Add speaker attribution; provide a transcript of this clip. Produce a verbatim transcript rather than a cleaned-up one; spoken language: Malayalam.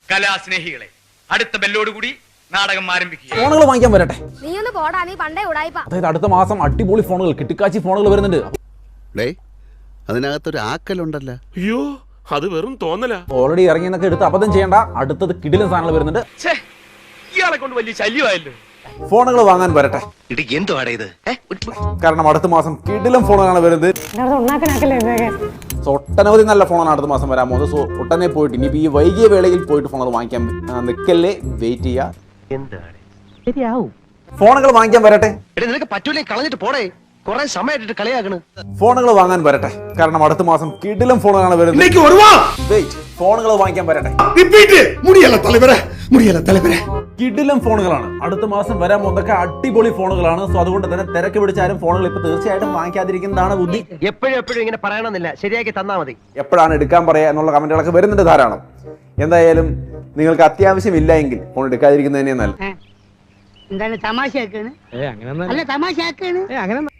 Speaker 1: കലാസ്നേഹികളെ, അടുത്ത ബെല്ലോടുകൂടി നാടകം ആരംഭിക്കുക.
Speaker 2: ഫോണുകൾ വാങ്ങിക്കാൻ വരട്ടെ.
Speaker 3: നീ ഒന്ന് പോടാ, നീ പണ്ടേ ഉടായിപ്പാ.
Speaker 2: അതായത് അടുത്ത മാസം അടിപൊളി ഫോണുകൾ, കിട്ടിക്കാച്ചി ഫോണുകൾ വരുന്നുണ്ട്.
Speaker 4: അതിനകത്തൊരു ആക്കലുണ്ടല്ലോ.
Speaker 5: അയ്യോ, അത് വെറും തോന്നലാ.
Speaker 2: ഓൾറെഡി ഇറങ്ങിയെന്നൊക്കെ എടുത്ത് അബദ്ധം ചെയ്യേണ്ട. അടുത്തത് കിടിലൻ സാധനങ്ങൾ വരുന്നുണ്ട്.
Speaker 1: ഇയാളെ കൊണ്ട് വലിയ ശല്യമായല്ലോ.
Speaker 2: ഫോണുകൾ വാങ്ങാൻ വരട്ടെ. കാരണം അടുത്ത മാസം കിടിലൻ ഫോണുകളാണ് വരുന്നത്. സോ ഒട്ടനവധി നല്ല ഫോണാണ് അടുത്ത മാസം വരാൻ പോകുന്നത്. സോ ഒട്ടനെ പോയിട്ട് ഇനിയിപ്പോൾ ഈ വൈകിയ വേളയിൽ പോയിട്ട് ഫോണുകൾ വാങ്ങിക്കാൻ നിൽക്കല്ലേ, വെയിറ്റ് ചെയ്യുക. ഫോണുകൾ വാങ്ങിക്കാൻ വരട്ടെ.
Speaker 6: നിനക്ക് പറ്റൂലേ, കളഞ്ഞിട്ട് പോടേ. കുറെ സമയമായിട്ട് കളിയാക്കണ്.
Speaker 2: ഫോണുകൾ വാങ്ങാൻ വരട്ടെ. കാരണം അടുത്ത മാസം കിടിലൻ ഫോണുകളാണ് വരുന്നത്. വെയിറ്റ്, ഫോണുകൾ വാങ്ങിക്കാൻ വരട്ടെ. കിടിലൻ ഫോണുകളാണ് അടുത്ത മാസം വരാൻ പോകുന്നതൊക്കെ അടിപൊളി ഫോണുകളാണ്. സോ അതുകൊണ്ട് തന്നെ തിരക്ക് പിടിച്ചാലും ഫോണുകൾ ഇപ്പൊ തീർച്ചയായിട്ടും വാങ്ങിക്കാതിരിക്കുന്നതാണ് ബുദ്ധി.
Speaker 6: എപ്പോഴും എപ്പോഴും ഇങ്ങനെ പറയണമെന്നില്ല, ശരിയാക്കി തന്നാ മതി.
Speaker 2: എപ്പോഴാണ് എടുക്കാൻ പറയാ എന്നുള്ള കമന്റുകളൊക്കെ വരുന്നുണ്ട് ധാരാളം. എന്തായാലും നിങ്ങൾക്ക് അത്യാവശ്യമില്ല എങ്കിൽ ഫോൺ എടുക്കാതിരിക്കുന്നത് തന്നെയാണ് നല്ലത്.
Speaker 7: എന്താണ് തമാശയാക്കാണ്? അല്ല തമാശയാക്കാണ്.